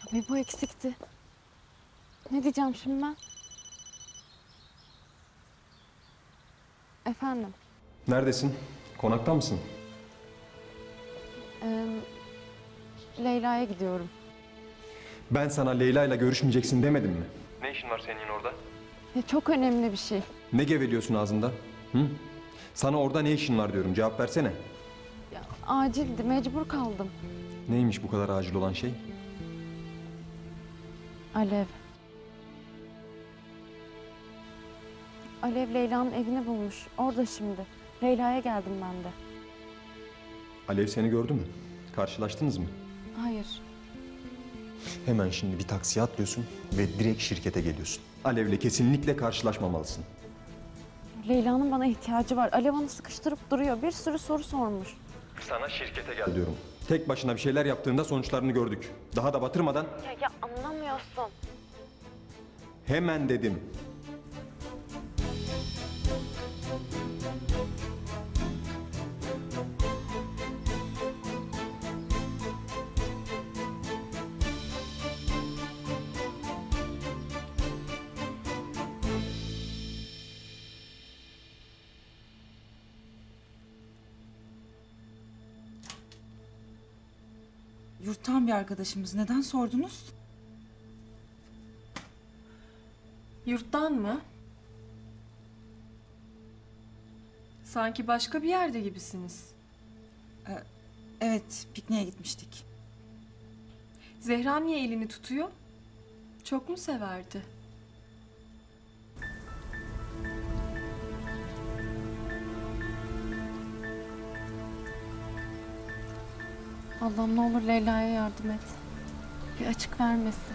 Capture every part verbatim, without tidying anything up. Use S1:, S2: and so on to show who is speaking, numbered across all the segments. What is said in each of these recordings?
S1: Ve bu eksikti. Ne diyeceğim şimdi ben? Efendim?
S2: Neredesin? Konakta mısın?
S1: Ee, Leyla'ya gidiyorum.
S2: Ben sana Leyla ile görüşmeyeceksin demedim mi? Ne işin var senin orada?
S1: Ya çok önemli bir şey.
S2: Ne geveliyorsun ağzında? Hı? Sana orada ne işin var diyorum, cevap versene.
S1: Ya, acildi, mecbur kaldım.
S2: Neymiş bu kadar acil olan şey?
S1: Alev. Alev Leyla'nın evini bulmuş. Orada şimdi. Leyla'ya geldim ben de.
S2: Alev seni gördü mü? Karşılaştınız mı?
S1: Hayır.
S2: Hemen şimdi bir taksiye atlıyorsun ve direkt şirkete geliyorsun. Alev'le kesinlikle karşılaşmamalısın.
S1: Leyla'nın bana ihtiyacı var. Alev onu sıkıştırıp duruyor. Bir sürü soru sormuş.
S2: Sana şirkete gel diyorum. Tek başına bir şeyler yaptığında sonuçlarını gördük. Daha da batırmadan
S1: Ya, ya anlamıyorsun.
S2: hemen dedim.
S3: Yurttan bir arkadaşımız. Neden sordunuz?
S4: Yurttan mı? Sanki başka bir yerde gibisiniz.
S3: Evet, pikniğe gitmiştik.
S4: Zehra niye elini tutuyor? Çok mu severdi?
S1: Allah'ım ne olur Leyla'ya yardım et. Bir açık vermesin.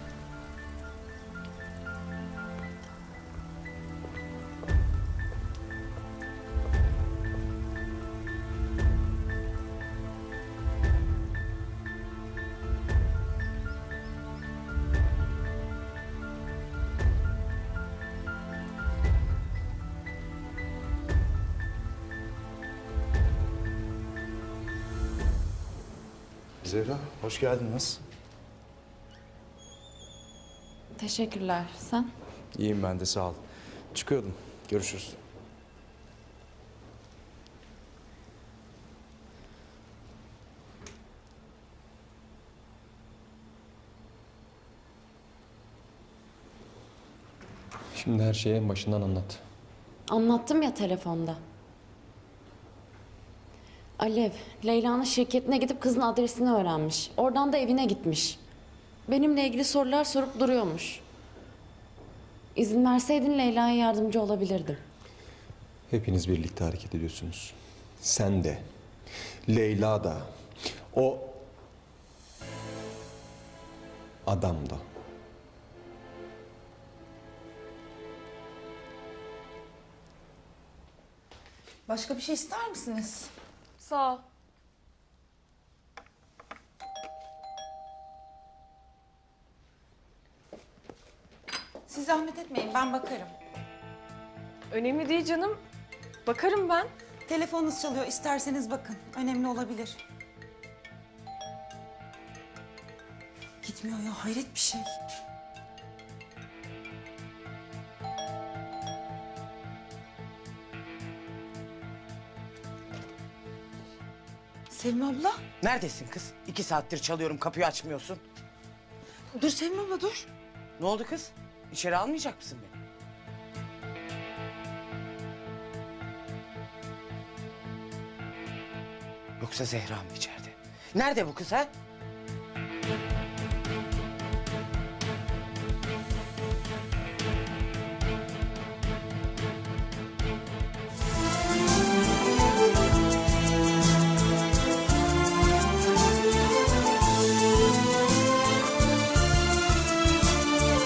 S5: Zehra, hoş geldiniz.
S1: Teşekkürler. Sen?
S5: İyiyim ben de, sağ ol. Çıkıyordum. Görüşürüz.
S2: Şimdi her şeyi en başından anlat.
S1: Anlattım ya telefonda. Alev, Leyla'nın şirketine gidip kızın adresini öğrenmiş. Oradan da evine gitmiş. Benimle ilgili sorular sorup duruyormuş. İzin verseydin Leyla'ya yardımcı olabilirdim.
S2: Hepiniz birlikte hareket ediyorsunuz. Sen de, Leyla da, o adam da.
S3: Başka bir şey ister misiniz?
S4: Sağ ol.
S3: Siz zahmet etmeyin, ben bakarım.
S4: Önemli değil canım. Bakarım ben.
S3: Telefonunuz çalıyor, isterseniz bakın. Önemli olabilir. Gitmiyor ya, hayret bir şey. Sevim abla.
S6: Neredesin kız? İki saattir çalıyorum, kapıyı açmıyorsun.
S3: Dur Sevim abla dur.
S6: Ne oldu kız? İçeri almayacak mısın beni? Yoksa Zehra mı içeride? Nerede bu kız ha?